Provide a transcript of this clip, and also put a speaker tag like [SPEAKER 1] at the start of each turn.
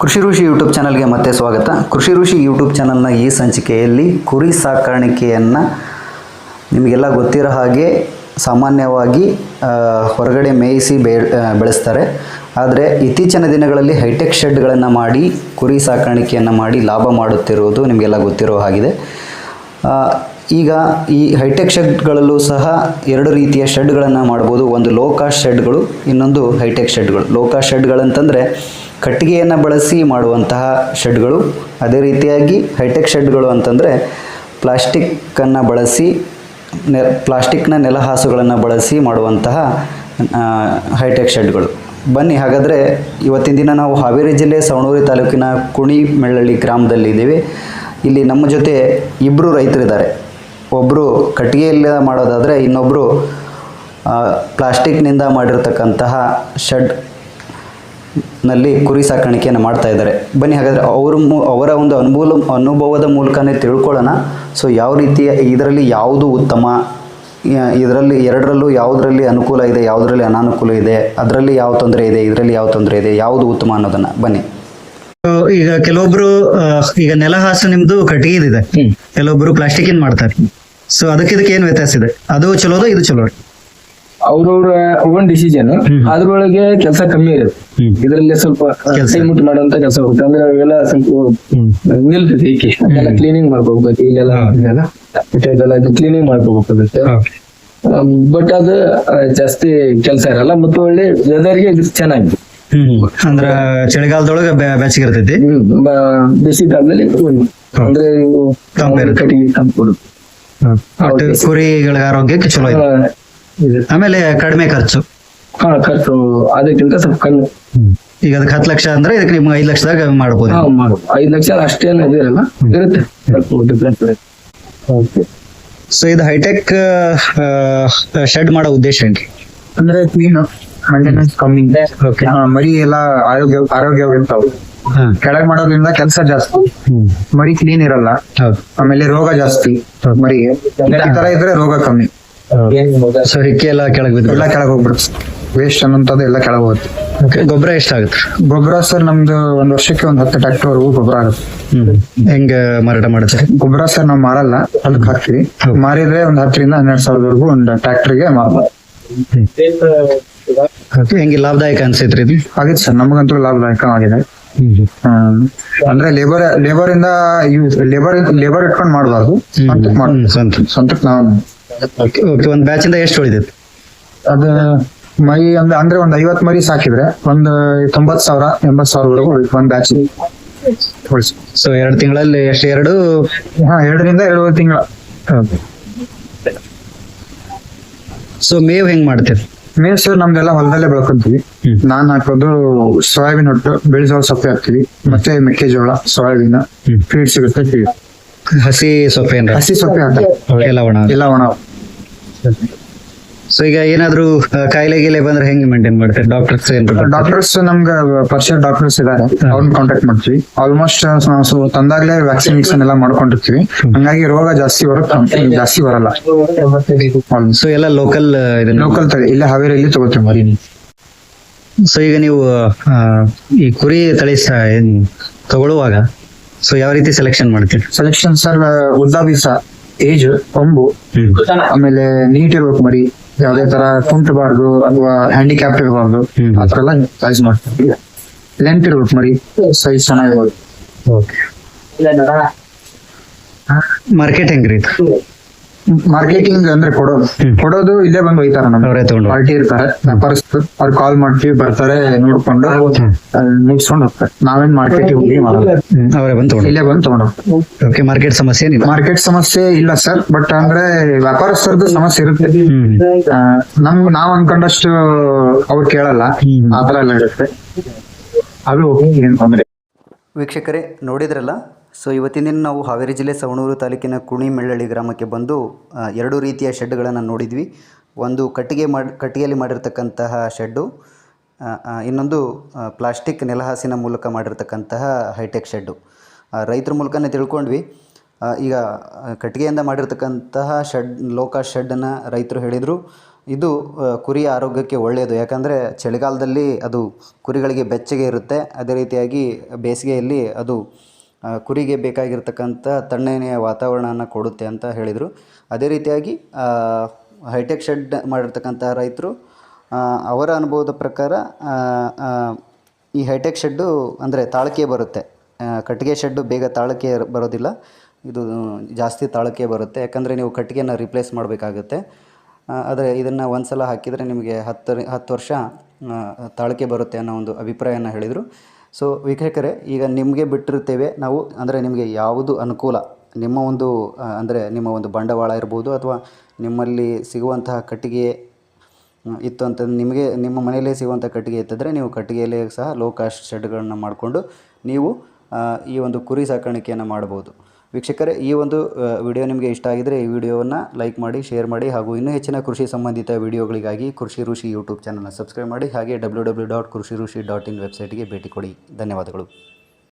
[SPEAKER 1] ಕೃಷಿ ಋಷಿ ಯೂಟ್ಯೂಬ್ ಚಾನಲ್ಗೆ ಮತ್ತೆ ಸ್ವಾಗತ. ಕೃಷಿ ಋಷಿ ಯೂಟ್ಯೂಬ್ ಚಾನಲ್ನ ಈ ಸಂಚಿಕೆಯಲ್ಲಿ ಕುರಿ ಸಾಕಾಣಿಕೆಯನ್ನು ನಿಮಗೆಲ್ಲ ಗೊತ್ತಿರೋ ಹಾಗೆ ಸಾಮಾನ್ಯವಾಗಿ ಹೊರಗಡೆ ಮೇಯಿಸಿ ಬೆಳೆಸ್ತಾರೆ. ಆದರೆ ಇತ್ತೀಚಿನ ದಿನಗಳಲ್ಲಿ ಹೈಟೆಕ್ ಶೆಡ್ಗಳನ್ನು ಮಾಡಿ ಕುರಿ ಸಾಕಾಣಿಕೆಯನ್ನು ಮಾಡಿ ಲಾಭ ಮಾಡುತ್ತಿರುವುದು ನಿಮಗೆಲ್ಲ ಗೊತ್ತಿರೋ ಹಾಗಿದೆ. ಈಗ ಈ ಹೈಟೆಕ್ ಶೆಡ್ಗಳಲ್ಲೂ ಸಹ ಎರಡು ರೀತಿಯ ಶೆಡ್ಗಳನ್ನು ಮಾಡ್ಬೋದು. ಒಂದು ಲೋ ಕಾಸ್ಟ್ ಶೆಡ್ಗಳು, ಇನ್ನೊಂದು ಹೈಟೆಕ್ ಶೆಡ್ಗಳು. ಲೋ ಕಾಸ್ಟ್ ಶೆಡ್ಗಳಂತಂದರೆ ಕಟ್ಟಿಗೆಯನ್ನು ಬಳಸಿ ಮಾಡುವಂತಹ ಶೆಡ್ಗಳು. ಅದೇ ರೀತಿಯಾಗಿ ಹೈಟೆಕ್ ಶೆಡ್ಗಳು ಅಂತಂದರೆ ಪ್ಲಾಸ್ಟಿಕ್ಕನ್ನು ಬಳಸಿ ಪ್ಲಾಸ್ಟಿಕ್ನ ನೆಲಹಾಸುಗಳನ್ನು ಬಳಸಿ ಮಾಡುವಂತಹ ಹೈಟೆಕ್ ಶೆಡ್ಗಳು. ಬನ್ನಿ ಹಾಗಾದರೆ ಇವತ್ತಿನ ದಿನ ನಾವು ಹಾವೇರಿ ಜಿಲ್ಲೆ ಸವಣೂರು ತಾಲೂಕಿನ ಕುಣಿಮೆಳ್ಳಳ್ಳಿ ಗ್ರಾಮದಲ್ಲಿದ್ದೀವಿ. ಇಲ್ಲಿ ನಮ್ಮ ಜೊತೆ ಇಬ್ಬರು ರೈತರಿದ್ದಾರೆ. ಒಬ್ಬರು ಕಟ್ಟಿಗೆಯಲ್ಲಿ ಮಾಡೋದಾದರೆ ಇನ್ನೊಬ್ಬರು ಪ್ಲಾಸ್ಟಿಕ್ನಿಂದ ಮಾಡಿರ್ತಕ್ಕಂತಹ ಶೆಡ್ನಲ್ಲಿ ಕುರಿ ಸಾಕಾಣಿಕೆಯನ್ನು ಮಾಡ್ತಾ ಇದ್ದಾರೆ. ಬನ್ನಿ ಹಾಗಾದರೆ ಅವರ ಒಂದು ಅನುಭವದ ಮೂಲಕನೇ ತಿಳ್ಕೊಳ್ಳೋಣ. ಸೊ ಯಾವ ರೀತಿಯ ಇದರಲ್ಲಿ ಯಾವುದು ಉತ್ತಮ, ಇದರಲ್ಲಿ ಎರಡರಲ್ಲೂ ಯಾವುದರಲ್ಲಿ ಅನುಕೂಲ ಇದೆ, ಯಾವುದರಲ್ಲಿ ಅನಾನುಕೂಲ ಇದೆ, ಅದರಲ್ಲಿ ಯಾವ ತೊಂದರೆ ಇದೆ, ಇದರಲ್ಲಿ ಯಾವ ತೊಂದರೆ ಇದೆ, ಯಾವುದು ಉತ್ತಮ ಅನ್ನೋದನ್ನು ಬನ್ನಿ. ಈಗ ಕೆಲವೊಬ್ರು ಈಗ ನೆಲಹಾಸು ನಿಮ್ದು ಕಟ್ಟಿಗೆದಿದೆ, ಕೆಲವೊಬ್ರು ಪ್ಲಾಸ್ಟಿಕ್ ಇನ್ ಮಾಡ್ತಾರೆ. ಸೊ ಅದಕ್ಕೆ ಏನ್ ವ್ಯತ್ಯಾಸ ಇದೆ? ಅದು ಚಲೋದ, ಇದು ಚಲೋ?
[SPEAKER 2] ಅವ್ರವ್ರ ಓನ್ ಡಿಸಿಷನ್. ಅದ್ರೊಳಗೆ ಕೆಲಸ ಕಮ್ಮಿ ಇರುತ್ತೆ, ಇದರಲ್ಲಿ ಸ್ವಲ್ಪ ಕೈ ಮುಟ್ಟು ಮಾಡುವಂತ ಕೆಲಸ ಹೋಗುತ್ತೆ. ಅಂದ್ರೆ ಅವೆಲ್ಲ ಸ್ವಲ್ಪ ನಿಲ್ತೈತಿ. ಏಕೆ ಅದೆಲ್ಲ ಕ್ಲೀನಿಂಗ್ ಮಾಡ್ಕೋಬೇಕು, ಇಲ್ಲೆಲ್ಲ ಕ್ಲೀನಿಂಗ್ ಮಾಡ್ಕೋಬೇಕಾಗುತ್ತೆ. ಬಟ್ ಅದು ಜಾಸ್ತಿ ಕೆಲಸ ಇರಲ್ಲ ಮತ್ತು ಒಳ್ಳೆ ವೆದರ್ಗೆ ಇದು ಚೆನ್ನಾಗಿದೆ.
[SPEAKER 1] ಅಂದ್ರ ಚಳಿಗಾಲದೊಳಗ ಬೆಚ್ಚಗೆ ಇರ್ತೈತಿ,
[SPEAKER 2] ಬೇಸಿಗೆಗಾಲದಲ್ಲಿ ಅಂದ್ರೆ ಕಟ್ಟಿಗೆ ತಂದ್ಕೊಡುತ್ತೆ.
[SPEAKER 1] ಕುರಿಗಳ ಆರೋಗ್ಯಕ್ಕೆ ಚಲೋ ಇದೆ. ಆಮೇಲೆ ಕಡಿಮೆ ಖರ್ಚು.
[SPEAKER 2] ಖರ್ಚು ಅದಕ್ಕಿಂತ ಸ್ವಲ್ಪ ಕಮ್ಮಿ.
[SPEAKER 1] ಈಗ ಅದಕ್ಕೆ 10 ಲಕ್ಷ ಅಂದ್ರೆ ಇದಕ್ಕೆ ನಿಮ್ಗೆ 5 ಲಕ್ಷದಾಗ ಮಾಡ್ಬೋದು.
[SPEAKER 2] 5 ಲಕ್ಷ ಅಷ್ಟೇನು ಇದಿರಲ್ಲ, ಇರುತ್ತೆ ಸ್ವಲ್ಪ ಡಿಫ್ರೆನ್ಸ್ ಇರುತ್ತೆ.
[SPEAKER 1] ಸೊ ಇದು ಹೈಟೆಕ್ ಶೆಡ್ ಮಾಡೋ ಉದ್ದೇಶ ಏನ್ರಿ?
[SPEAKER 2] ಅಂದ್ರೆ ಕ್ಲೀನ್ ಮೇಂಟೆನೆನ್ಸ್ ಕಮ್ಮಿ, ಮರಿ ಎಲ್ಲ ಆರೋಗ್ಯವಾಗಿರ್ತಾವ. ಕೆಳಗ್ ಮಾಡೋದ್ರಿಂದ ಕೆಲಸ ಜಾಸ್ತಿ, ಮರಿ ಕ್ಲೀನ್ ಇರಲ್ಲ, ಆಮೇಲೆ ರೋಗ ಜಾಸ್ತಿ ಮರಿಗೆ. ಈ ತರ ಇದ್ರೆ ರೋಗ ಕಮ್ಮಿ.
[SPEAKER 1] ಸೊ ಹಿಕ್ಕಿ ಎಲ್ಲ ಕೆಳಗ್
[SPEAKER 2] ಹೋಗ್ಬಿಡುತ್ತೆ, ವೇಸ್ಟ್ ಅನ್ನೋಂಥದ್ದು ಎಲ್ಲ ಕೆಳಗ್ ಹೋಗುತ್ತೆ.
[SPEAKER 1] ಗೊಬ್ಬರ ಎಷ್ಟಾಗುತ್ತೆ?
[SPEAKER 2] ಗೊಬ್ಬರ ಸರ್ ನಮ್ದು ಒಂದ್ ವರ್ಷಕ್ಕೆ 10 ಟ್ರ್ಯಾಕ್ಟರ್ ಗೊಬ್ಬರ ಆಗುತ್ತೆ.
[SPEAKER 1] ಹೆಂಗ ಮಾರಾಟ ಮಾಡುತ್ತೆ
[SPEAKER 2] ಗೊಬ್ಬರ? ಸರ್ ನಾವ್ ಮಾರಲ್ಲ, ಅದಕ್ಕೆ ಹಾಕ್ತಿವಿ. ಮಾರಿದ್ರೆ ಒಂದ್ 10 ರಿಂದ 12 ಸಾವಿರವರೆಗೂ ಒಂದು ಟ್ರ್ಯಾಕ್ಟರ್ಗೆ ಮಾರ್ಬೋದು.
[SPEAKER 1] ಹೆಂಗೆ ಲಾಭದಾಯಕ ಅನ್ಸೈತ್ರಿ ಇದು?
[SPEAKER 2] ಆಗಿತ್ತು ಸರ್, ನಮಗಂತೂ ಲಾಭದಾಯಕ ಆಗಿದೆ. ಅಂದ್ರೆ ಲೇಬರ್ ಇಟ್ಕೊಂಡ್ ಮಾಡಬಾರ್ದು, ಸ್ವಂತಕ್ಕೆ ನಾವು.
[SPEAKER 1] ಒಂದ್ ಬ್ಯಾಚ್ ಇಂದ ಎಷ್ಟು ಉಳಿದೈತಿ?
[SPEAKER 2] ಅದ ಮರಿ ಅಂದ್ರೆ ಒಂದ್ 50 ಮರಿ ಸಾಕಿದ್ರೆ ಒಂದು 90,000 80,000 ಒಂದ್ ಬ್ಯಾಚ್.
[SPEAKER 1] ಸೊ 2 ತಿಂಗಳಲ್ಲಿ ಎಷ್ಟು?
[SPEAKER 2] 2 ರಿಂದ 2.5 ತಿಂಗಳ.
[SPEAKER 1] ಸೊ ಮೇವ್ ಹೆಂಗ್ ಮಾಡ್ತೀರಿ?
[SPEAKER 2] ಮೇವ್ ಸರ್ ನಮ್ದೆಲ್ಲ ಹೊಲದಲ್ಲೇ ಬೆಳ್ಕೊಂತೀವಿ. ನಾನ್ ಹಾಕೋದು ಸೋಯಾಬೀನ್ ಹೊಟ್ಟು, ಬೆಳೆಜೋಳ ಸೊಪ್ಪೆ ಹಾಕ್ತಿವಿ, ಮತ್ತೆ ಮೆಕ್ಕೆಜೋಳ, ಸೋಯಾಬೀನ್ ಫೀಡ್ ಸಿಗುತ್ತೆ.
[SPEAKER 1] ಹಸಿ ಸೊಪ್ಪೆ
[SPEAKER 2] ಹಾಕ್ತಾರೆ, ಎಲ್ಲ ಒಣ.
[SPEAKER 1] ಸೊ ಈಗ ಏನಾದ್ರು ಕಾಯಿಲೆ ಗೀಲೆ ಬಂದ್ರೆ ಹೆಂಗ್ ಮೇಂಟೈನ್ ಮಾಡ್ತಾರೆ?
[SPEAKER 2] ಡಾಕ್ಟರ್ಸ್ ನಮ್ಗೆ ಪರಿಚಯ ಡಾಕ್ಟರ್ಸ್ ಇದಾರೆ, ಅವ್ರನ್ನ ಕಾಂಟ್ಯಾಕ್ಟ್ ಮಾಡ್ತೀವಿ. ಆಲ್ಮೋಸ್ಟ್ ನಾವು ತಂದಾಗ್ಲೇ ವ್ಯಾಕ್ಸಿನೇಷನ್ ಎಲ್ಲ ಮಾಡ್ಕೊಂಡಿರ್ತೀವಿ, ಹಂಗಾಗಿ ರೋಗ ಜಾಸ್ತಿ ಬರಲ್ಲ.
[SPEAKER 1] ಸೊ ಎಲ್ಲ ಲೋಕಲ್
[SPEAKER 2] ತಳಿ ಇಲ್ಲೇ ಹಾವೇರಿಯಲ್ಲಿ ತಗೋತೀವಿ ಮರಿ.
[SPEAKER 1] ಸೊ ಈಗ ನೀವು ಈ ಕುರಿ ತಳಿ ತಗೊಳ್ಳುವಾಗ ಸೊ ಯಾವ ರೀತಿ ಸೆಲೆಕ್ಷನ್ ಮಾಡ್ತೀರಿ?
[SPEAKER 2] ಸೆಲೆಕ್ಷನ್ ಸರ್, ಉದ್ದ ಬೀಸ, ಏಜ್, ಕೊಂಬು, ಆಮೇಲೆ ನೀಟ್ ಇರ್ಬೇಕು ಮರಿ, ಯಾವ್ದೇ ತರ ಕುಂಟಬಾರ್ದು ಅಥವಾ ಹ್ಯಾಂಡಿಕ್ಯಾಪ್ ಇರಬಾರ್ದು, ಅದ್ರೆಲ್ಲ ಸೈಜ್ ಮಾಡ್ತೀವಿ. ಲೆಂತ್ ಇರ್ಬೇಕು ಮರಿ, ಸೈಜ್ ಚೆನ್ನಾಗಿರ್ಬೋದು.
[SPEAKER 1] ಮಾರ್ಕೆಟ್ ಹೆಂಗ್ರಿ?
[SPEAKER 2] ಮಾರ್ಕೆಟಿಂಗ್ ಅಂದ್ರೆ ಕೊಡೋದು ಇಲ್ಲೇ ಬಂದು ಒಯ್ತಾರ, ಪಾರ್ಟಿ ಇರ್ತಾರೆ, ವ್ಯಾಪಾರಸ್ಥರು. ಅವ್ರು ಕಾಲ್ ಮಾಡ್ತೀವಿ, ಬರ್ತಾರೆ, ನೋಡ್ಕೊಂಡು ಮುಗಿಸ್ಕೊಂಡು ಹೋಗ್ತಾರೆ. ನಾವೇನ್ ಮಾರ್ಕೆಟಿಗೆ ಹೋಗಿ
[SPEAKER 1] ಅವರೇ ಬಂದು
[SPEAKER 2] ಇಲ್ಲೇ ಬಂದು ತಗೊಂಡು ಹೋಗ್ತಾರೆ.
[SPEAKER 1] ಮಾರ್ಕೆಟ್ ಸಮಸ್ಯೆ
[SPEAKER 2] ಇಲ್ಲ ಸರ್, ಬಟ್ ಅಂದ್ರೆ ವ್ಯಾಪಾರಸ್ಥರದ್ದು ಸಮಸ್ಯೆ ಇರುತ್ತೆ. ನಾವ್ ಅನ್ಕೊಂಡಷ್ಟು ಅವ್ರು ಕೇಳಲ್ಲ, ಆತರ ಎಲ್ಲ ಇರುತ್ತೆ. ಅದು ಏನ್ ತೊಂದ್ರೆ.
[SPEAKER 1] ವೀಕ್ಷಕರೇ ನೋಡಿದ್ರಲ್ಲ. ಸೊ ಇವತ್ತಿನ ದಿನ ನಾವು ಹಾವೇರಿ ಜಿಲ್ಲೆ ಸವಣೂರು ತಾಲೂಕಿನ ಕುಣಿಮೆಳ್ಳಳ್ಳಿ ಗ್ರಾಮಕ್ಕೆ ಬಂದು 2 ರೀತಿಯ ಶೆಡ್ಗಳನ್ನು ನೋಡಿದ್ವಿ. ಒಂದು ಕಟ್ಟಿಗೆಯಲ್ಲಿ ಮಾಡಿರ್ತಕ್ಕಂತಹ ಶೆಡ್ಡು, ಇನ್ನೊಂದು ಪ್ಲಾಸ್ಟಿಕ್ ನೆಲಹಾಸಿನ ಮೂಲಕ ಮಾಡಿರ್ತಕ್ಕಂತಹ ಹೈಟೆಕ್ ಶೆಡ್ಡು. ರೈತರ ಮೂಲಕನೇ ತಿಳ್ಕೊಂಡ್ವಿ. ಈಗ ಕಟ್ಟಿಗೆಯಿಂದ ಮಾಡಿರ್ತಕ್ಕಂತಹ ಶೆಡ್, ಲೋ ಕಾಸ್ಟ್ ಶೆಡ್ಡನ್ನು ರೈತರು ಹೇಳಿದರು. ಇದು ಕುರಿಯ ಆರೋಗ್ಯಕ್ಕೆ ಒಳ್ಳೆಯದು. ಯಾಕಂದರೆ ಚಳಿಗಾಲದಲ್ಲಿ ಅದು ಕುರಿಗಳಿಗೆ ಬೆಚ್ಚಗೆ ಇರುತ್ತೆ. ಅದೇ ರೀತಿಯಾಗಿ ಬೇಸಿಗೆಯಲ್ಲಿ ಅದು ಕುರಿಗೆ ಬೇಕಾಗಿರ್ತಕ್ಕಂಥ ತಣ್ಣನೆಯ ವಾತಾವರಣವನ್ನು ಕೊಡುತ್ತೆ ಅಂತ ಹೇಳಿದರು. ಅದೇ ರೀತಿಯಾಗಿ ಹೈಟೆಕ್ ಶೆಡ್ ಮಾಡಿರ್ತಕ್ಕಂಥ ರೈತರು ಅವರ ಅನುಭವದ ಪ್ರಕಾರ ಈ ಹೈಟೆಕ್ ಶೆಡ್ಡು ಅಂದರೆ ತಾಳಿಕೆ ಬರುತ್ತೆ. ಕಟ್ಟಿಗೆ ಶೆಡ್ಡು ಬೇಗ ತಾಳಿಕೆ ಬರೋದಿಲ್ಲ, ಇದು ಜಾಸ್ತಿ ತಾಳಿಕೆ ಬರುತ್ತೆ. ಯಾಕಂದರೆ ನೀವು ಕಟ್ಟಿಗೆನ ರಿಪ್ಲೇಸ್ ಮಾಡಬೇಕಾಗುತ್ತೆ. ಆದರೆ ಇದನ್ನು ಒಂದು ಸಲ ಹಾಕಿದರೆ ನಿಮಗೆ 10 ವರ್ಷ ತಾಳಿಕೆ ಬರುತ್ತೆ ಅನ್ನೋ ಒಂದು ಅಭಿಪ್ರಾಯನ ಹೇಳಿದರು. ಸೊ ವೀಕ್ಷಕರೇ, ಈಗ ನಿಮಗೆ ಬಿಟ್ಟಿರ್ತೇವೆ ನಾವು, ಅಂದರೆ ನಿಮಗೆ ಯಾವುದು ಅನುಕೂಲ, ನಿಮ್ಮ ಒಂದು ಅಂದರೆ ನಿಮ್ಮ ಒಂದು ಬಂಡವಾಳ ಇರ್ಬೋದು ಅಥವಾ ನಿಮ್ಮಲ್ಲಿ ಸಿಗುವಂತಹ ಕಟ್ಟಿಗೆ ಇತ್ತು ಅಂತ ನಿಮಗೆ ನಿಮ್ಮ ಮನೆಯಲ್ಲೇ ಸಿಗುವಂಥ ಕಟ್ಟಿಗೆ ಇತ್ತಿದ್ರೆ ನೀವು ಕಟ್ಟಿಗೆಯಲ್ಲೇ ಸಹ ಲೋ ಕಾಸ್ಟ್ ಶೆಡ್ಗಳನ್ನು ಮಾಡಿಕೊಂಡು ನೀವು ಈ ಒಂದು ಕುರಿ ಸಾಕಾಣಿಕೆಯನ್ನು ಮಾಡ್ಬೋದು. ವೀಕ್ಷಕರೇ, ಈ ಒಂದು ವಿಡಿಯೋ ನಿಮಗೆ ಇಷ್ಟ ಆಗಿದರೆ ಈ ವಿಡಿಯೋವನ್ನು ಲೈಕ್ ಮಾಡಿ, ಶೇರ್ ಮಾಡಿ ಹಾಗೂ ಇನ್ನೂ ಹೆಚ್ಚಿನ ಕೃಷಿ ಸಂಬಂಧಿತ ವಿಡಿಯೋಗಳಿಗಾಗಿ ಕೃಷಿ ಋಷಿ ಯೂಟ್ಯೂಬ್ ಚಾನಲ್ನ ಸಬ್ಸ್ಕ್ರೈಬ್ ಮಾಡಿ. ಹಾಗೆ www.krushirushi.in ವೆಬ್ಸೈಟ್ಗೆ ಭೇಟಿ ಕೊಡಿ. ಧನ್ಯವಾದಗಳು.